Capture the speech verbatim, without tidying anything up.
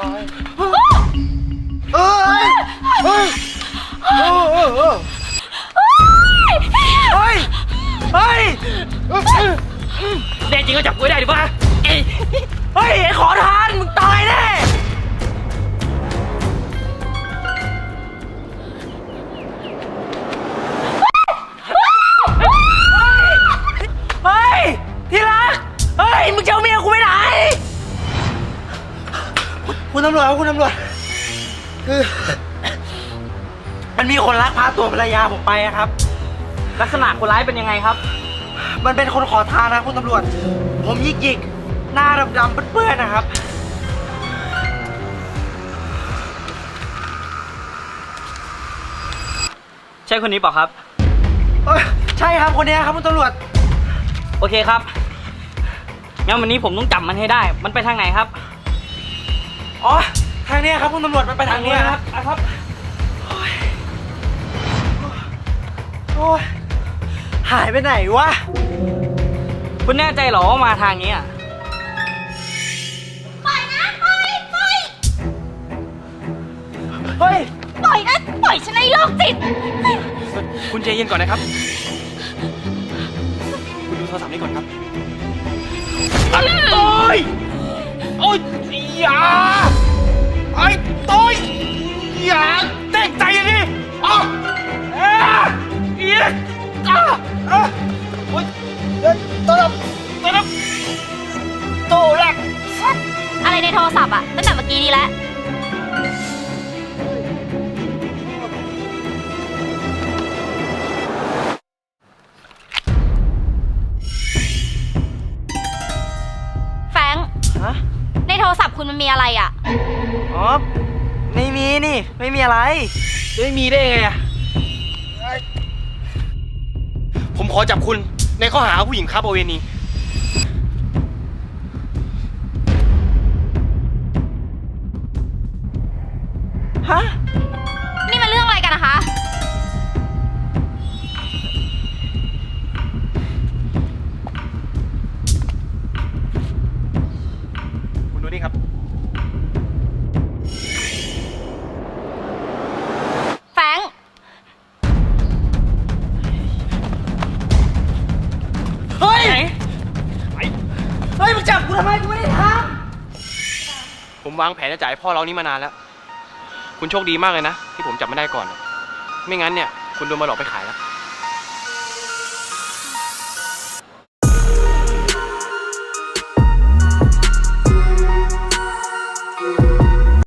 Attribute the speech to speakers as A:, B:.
A: เอ้ยเฮ้ยเฮ้ยเฮ้ยเฮ้ยแน่จริงก็จับกูได้ดิวะเฮ้ยไอ้ขอทานมึงตายแน่เฮ้ยที่รักเฮ้ยมึงจะเอาเมียกูไปไหนคุณตำรวจครับคุณตำรวจคือมันมีคนลักพาตัวภรรยาผมไปครับลักษณะคนร้ายเป็นยังไงครับมันเป็นคนขอทานนะคุณตำรวจผมหยิกๆหน้าดำๆเปื้อนๆนะครับใช่คนนี้เปล่าครับเออใช่ครับคนนี้ครับคุณตำรวจโอเคครับงั้นวันนี้ผมต้องจับมันให้ได้มันไปทางไหนครับอ๋อทางนี้ครับคุณตำรวจมันไปทางนี้ครับครับโอ้ยโอ้ยหายไปไหนวะคุณแน่ใจเหรอว่ามาทางนี้อ่ะ
B: ปล่อยนะปล่อยปล่อย
A: เฮ้ย
B: ปล่อยนะปล่อยฉันในโรคจิต
A: คุณใจเย็นก่อนนะครับคุณดูโทรศัพท์นี้ก่อนครับโอ้ยโอ้ยอย่าไอ้ต้อยอย่าเต้นใจอย่างนี้อ๋อเอ๊ะเอ๊ะอ่ะอ่ะโอ้ยเดินต้นต้นโตแรก
B: อะไรในโทรศัพท์อะตั้งแต่เมื่อกี้นี้แล้วแฟรงค์
A: ฮะ
B: ในโทรศัพท์คุณมันมีอะไรอะ
A: อ๋อไม่มีนี่ไม่มีอะไรจะไม่มีได้ไงอะผมขอจับคุณในข้อหาผู้หญิงค้าประเวณีฮะ
B: นี่มันเรื่องอะไรกันนะคะ
A: คุณดูนี่ครับ
B: แฟรงค์
A: เฮ้ยเฮ้ยมึงจับกูทำไมกูไม่ได้ทำผมวางแผนจะจ่ายพ่อเรานี่มานานแล้วคุณโชคดีมากเลยนะที่ผมจับไม่ได้ก่อนไม่งั้นเนี่ยคุณโดนมาหลอกไปขายแล้ว